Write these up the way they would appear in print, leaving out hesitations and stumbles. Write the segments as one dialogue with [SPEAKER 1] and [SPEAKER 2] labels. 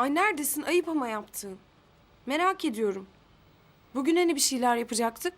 [SPEAKER 1] Ay neredesin? Ayıp ama yaptığın. Merak ediyorum. Bugün hani bir şeyler yapacaktık?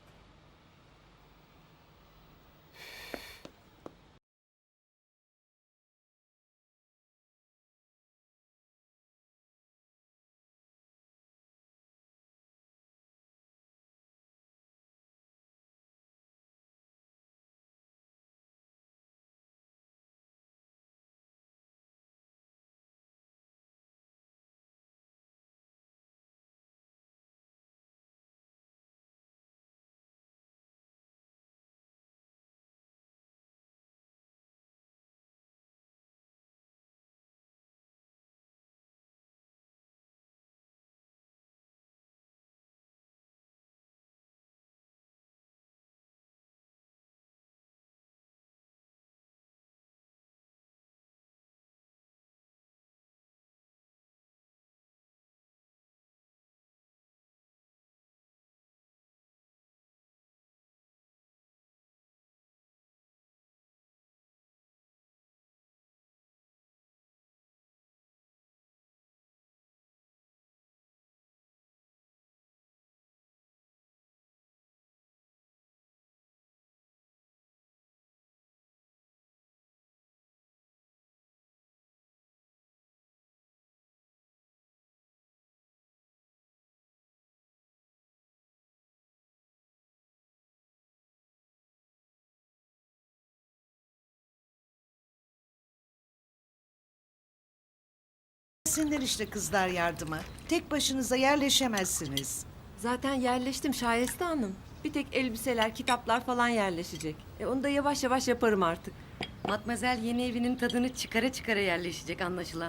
[SPEAKER 2] Gelsinler işte kızlar yardıma. Tek başınıza yerleşemezsiniz.
[SPEAKER 3] Zaten yerleştim Şayeste Hanım. Bir tek elbiseler, kitaplar falan yerleşecek. Onu da yavaş yavaş yaparım artık.
[SPEAKER 4] Matmazel yeni evinin tadını çıkara çıkara yerleşecek anlaşılan.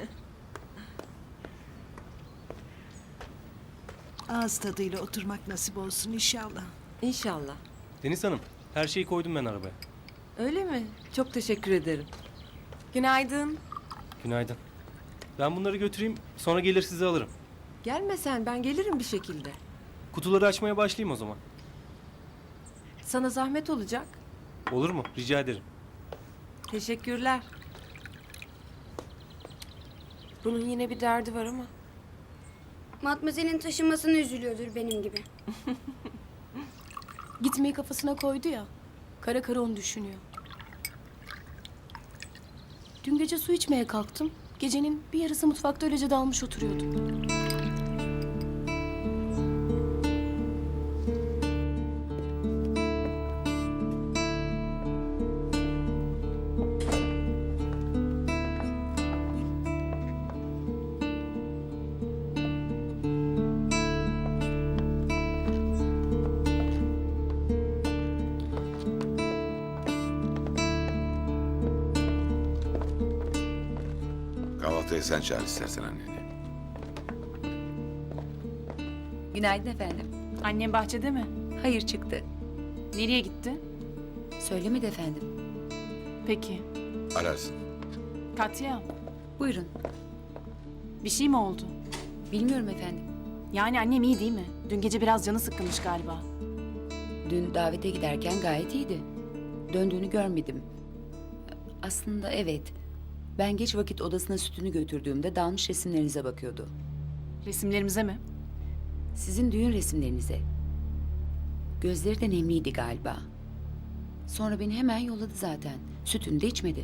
[SPEAKER 2] Ağız tadıyla oturmak nasip olsun inşallah.
[SPEAKER 3] İnşallah.
[SPEAKER 5] Deniz Hanım, her şeyi koydum ben arabaya.
[SPEAKER 3] Öyle mi? Çok teşekkür ederim.
[SPEAKER 1] Günaydın.
[SPEAKER 5] Günaydın. Ben bunları götüreyim, sonra gelir sizi alırım.
[SPEAKER 3] Gelme sen, ben gelirim bir şekilde.
[SPEAKER 5] Kutuları açmaya başlayayım o zaman.
[SPEAKER 3] Sana zahmet olacak.
[SPEAKER 5] Olur mu? Rica ederim.
[SPEAKER 3] Teşekkürler.
[SPEAKER 1] Bunun yine bir derdi var ama.
[SPEAKER 6] Matmazel'in taşınmasına üzülüyordur benim gibi.
[SPEAKER 7] Gitmeyi kafasına koydu ya. Kara kara onu düşünüyor. Dün gece su içmeye kalktım. Gecenin bir yarısı mutfakta öylece dalmış oturuyordum.
[SPEAKER 8] Kahvaltıya sen çağır istersen anneni.
[SPEAKER 9] Günaydın efendim.
[SPEAKER 10] Annem bahçede mi?
[SPEAKER 9] Hayır çıktı.
[SPEAKER 10] Nereye gitti?
[SPEAKER 9] Söylemedi efendim.
[SPEAKER 10] Peki.
[SPEAKER 8] Ararsın.
[SPEAKER 10] Katya,
[SPEAKER 9] Buyurun.
[SPEAKER 10] bir şey mi oldu?
[SPEAKER 9] Bilmiyorum efendim.
[SPEAKER 10] Yani annem iyi değil mi? Dün gece biraz canı sıkkınmış galiba.
[SPEAKER 9] Dün davete giderken gayet iyiydi. Döndüğünü görmedim. Aslında evet. Ben geç vakit odasına sütünü götürdüğümde dalmış resimlerinize bakıyordu.
[SPEAKER 10] Resimlerimize mi?
[SPEAKER 9] Sizin düğün resimlerinize. Gözleri de nemliydi galiba. Sonra beni hemen yolladı zaten. Sütünü de içmedi.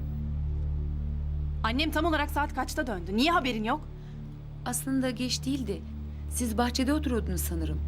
[SPEAKER 10] Annem tam olarak saat kaçta döndü? Niye haberin yok?
[SPEAKER 9] Aslında geç değildi. Siz bahçede oturuyordunuz sanırım.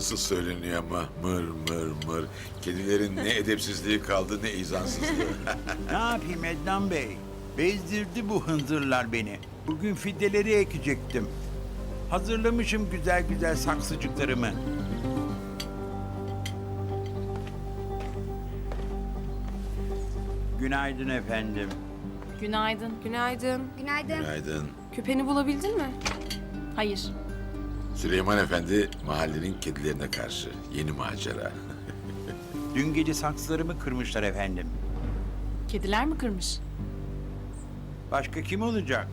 [SPEAKER 8] nasıl söyleniyor ama mır mır mır. Kedilerin ne edepsizliği kaldı ne izansızlığı.
[SPEAKER 11] Ne yapayım Ednan Bey? Bezdirdi bu hınzırlar beni. Bugün fideleri ekecektim. Hazırlamışım güzel güzel saksıcıklarımı. Günaydın efendim.
[SPEAKER 10] Günaydın.
[SPEAKER 1] Günaydın.
[SPEAKER 6] Günaydın.
[SPEAKER 8] Günaydın.
[SPEAKER 1] Küpeni bulabildin mi?
[SPEAKER 10] Hayır.
[SPEAKER 8] Süleyman Efendi mahallenin kedilerine karşı yeni macera.
[SPEAKER 11] Dün gece saksılarımı kırmışlar efendim.
[SPEAKER 10] Kediler mi kırmış?
[SPEAKER 11] Başka kim olacak?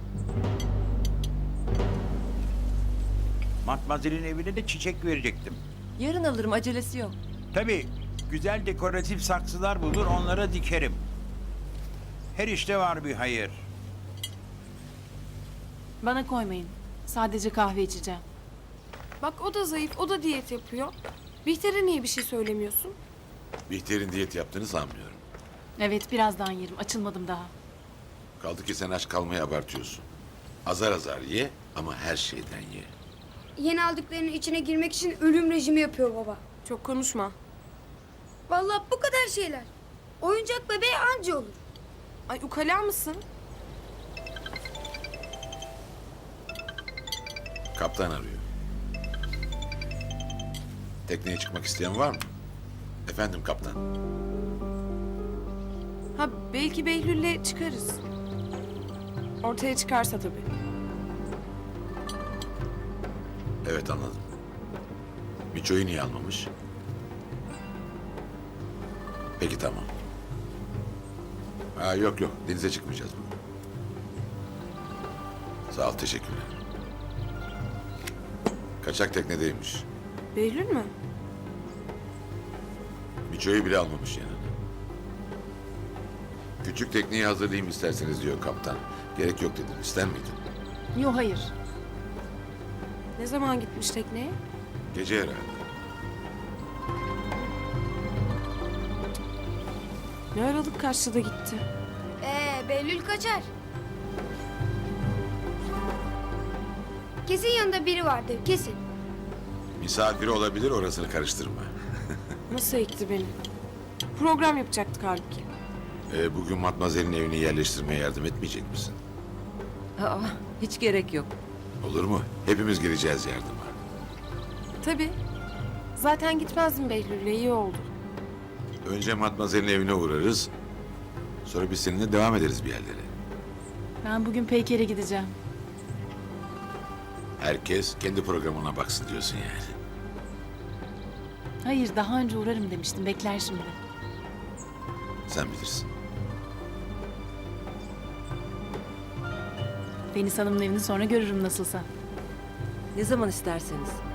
[SPEAKER 11] Matmazel'in evine de çiçek verecektim.
[SPEAKER 3] Yarın alırım, acelesi yok.
[SPEAKER 11] Tabii güzel dekoratif saksılar bulur onlara dikerim. Her işte var bir hayır.
[SPEAKER 10] Bana koymayın. Sadece kahve içeceğim.
[SPEAKER 1] Bak o da zayıf, o da diyet yapıyor. Bihter'e niye bir şey söylemiyorsun?
[SPEAKER 8] Bihter'in diyet yaptığını sanmıyorum.
[SPEAKER 10] Evet, birazdan yerim. Açılmadım daha.
[SPEAKER 8] Kaldı ki sen aç kalmayı abartıyorsun. Azar azar ye ama her şeyden ye.
[SPEAKER 6] Yeni aldıklarının içine girmek için ölüm rejimi yapıyor baba.
[SPEAKER 1] Çok konuşma.
[SPEAKER 6] Vallahi bu kadar şeyler. Oyuncak bebeği anca olur.
[SPEAKER 1] Ay ukala mısın?
[SPEAKER 8] Kaptan arıyor. Tekneye çıkmak isteyen var mı? Efendim kaptan.
[SPEAKER 1] Ha belki Behlül'le çıkarız. Ortaya çıkarsa tabii.
[SPEAKER 8] Evet anladım. Miço'yu niye almamış? Peki tamam. Ha, yok yok denize çıkmayacağız bugün. Sağ ol teşekkürler. Kaçak teknedeymiş.
[SPEAKER 1] Behlül mü?
[SPEAKER 8] Miço'yu bile almamış yanına. Küçük tekneyi hazırlayayım isterseniz diyor kaptan. Gerek yok dedim. İster miydin?
[SPEAKER 10] Yok, hayır.
[SPEAKER 1] Ne zaman gitmiş tekneye?
[SPEAKER 8] Gece herhalde.
[SPEAKER 1] Ne aralık kaçtı da gitti.
[SPEAKER 6] Behlül kaçar. Kesin yanında biri vardır, kesin.
[SPEAKER 8] Misafiri olabilir orasını karıştırma.
[SPEAKER 1] Nasıl ekti beni? Program yapacaktık halbuki.
[SPEAKER 8] Bugün Matmazel'in evini yerleştirmeye yardım etmeyecek misin?
[SPEAKER 3] Aa, hiç gerek yok.
[SPEAKER 8] Olur mu? Hepimiz gireceğiz yardıma.
[SPEAKER 1] Tabii. Zaten gitmezdim Behlül'le, iyi oldu.
[SPEAKER 8] Önce Matmazel'in evine uğrarız. Sonra biz seninle devam ederiz bir yerlere.
[SPEAKER 10] Ben bugün Peyker'e gideceğim.
[SPEAKER 8] Herkes kendi programına baksın diyorsun yani.
[SPEAKER 10] Hayır, daha önce uğrarım demiştim. Bekler şimdi.
[SPEAKER 8] Sen bilirsin.
[SPEAKER 10] Deniz Hanım'ın evini sonra görürüm nasılsa.
[SPEAKER 3] Ne zaman isterseniz.